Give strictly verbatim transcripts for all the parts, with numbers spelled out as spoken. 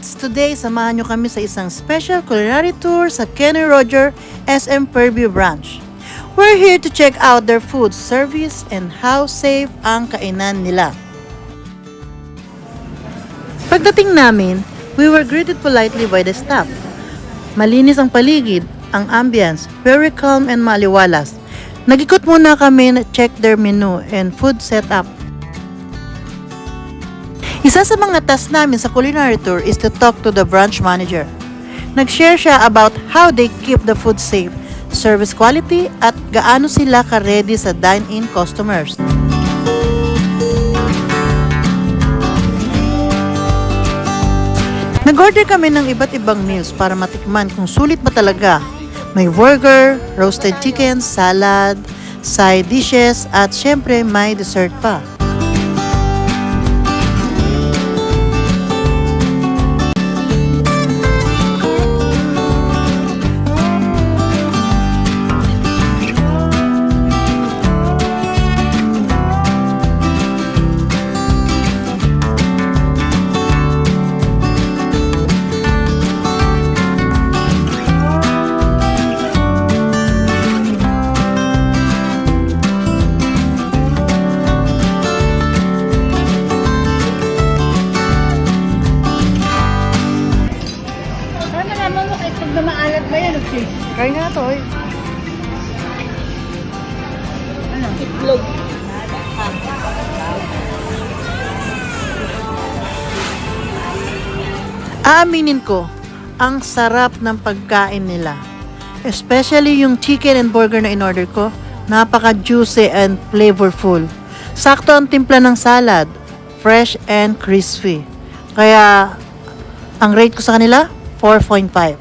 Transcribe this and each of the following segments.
Lods! Today, samahan nyo kami sa isang special culinary tour sa Kenny Roger S M Fairview branch. We're here to check out their food service and how safe ang kainan nila. Pagdating namin, we were greeted politely by the staff. Malinis ang paligid, ang ambience, very calm and maliwalas. Nag-ikot muna kami na check their menu and food setup. Isa sa mga task namin sa culinary tour is to talk to the branch manager. Nag-share siya about how they keep the food safe, service quality, at gaano sila ka-ready sa dine-in customers. Nag-order kami ng iba't ibang meals para matikman kung sulit ba talaga. May burger, roasted chicken, salad, side dishes, at syempre may dessert pa. Kain nga to, eh. Ano? Itlog. Aaminin ko, ang sarap ng pagkain nila. Especially yung chicken and burger na in-order ko, napaka-juicy and flavorful. Sakto ang timpla ng salad, fresh and crispy. Kaya, ang rate ko sa kanila, four point five.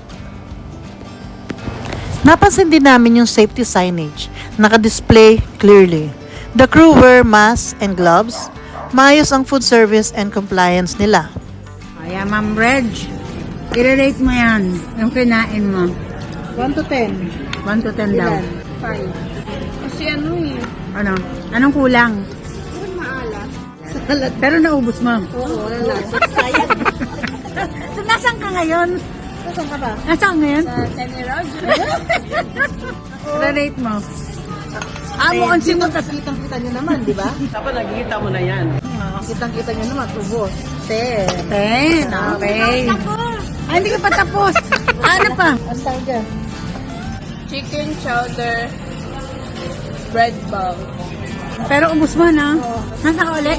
Napansin din namin yung safety signage, naka-display clearly. The crew wear masks and gloves. Maayos ang food service and compliance nila. Kaya Ma'am Reg, i-rate mo yan, yung kinain mo. one to ten. one to ten daw. five. Kasi ano eh. Ano? Anong kulang? Maalat. Pero naubos mo. Oo, wala. Sayang. So, nasaan ka ngayon? Saan ka ba? Nasaan ka ngayon? Sa Kenny Roger. I-rate mo. Ah, mukhang si mo. Kitang-kita nyo naman, di ba? Dapat nakikita mo na yan. Kitang-kita nyo naman, ubos. ten. ten. Okay. Ah, hindi ka pa tapos. Ano pa? Ano tayo dyan? Chicken chowder. Bread ball. Pero ubos mo na. Nasa ka ulit?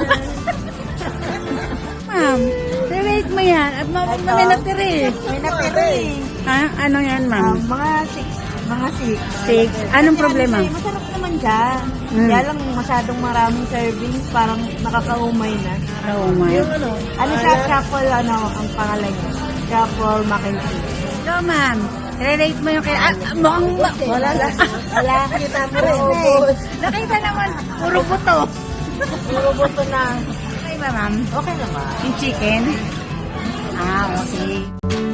Ma'am, i-rate mo yan. At ma may natira eh. May natira eh. Ha? Ano yan, ma'am? Mga six. Mga six. Six. Anong problema? Kasi masarap naman dyan. Mm. Kaya lang masyadong maraming servings, parang nakakaumay na. Oh my. Yung ano? Ano siya, truffle, ano, ang pangalan niya. Truffle mac and cheese. So, ma'am, i-rate mo yung kaya... Ah, mukhang... Wala lang. Wala. Kita mo rin eh. Nakita naman, puro buto. Puro buto na. Okay ba, ma'am? Okay naman. Yung chicken? Ah, okay.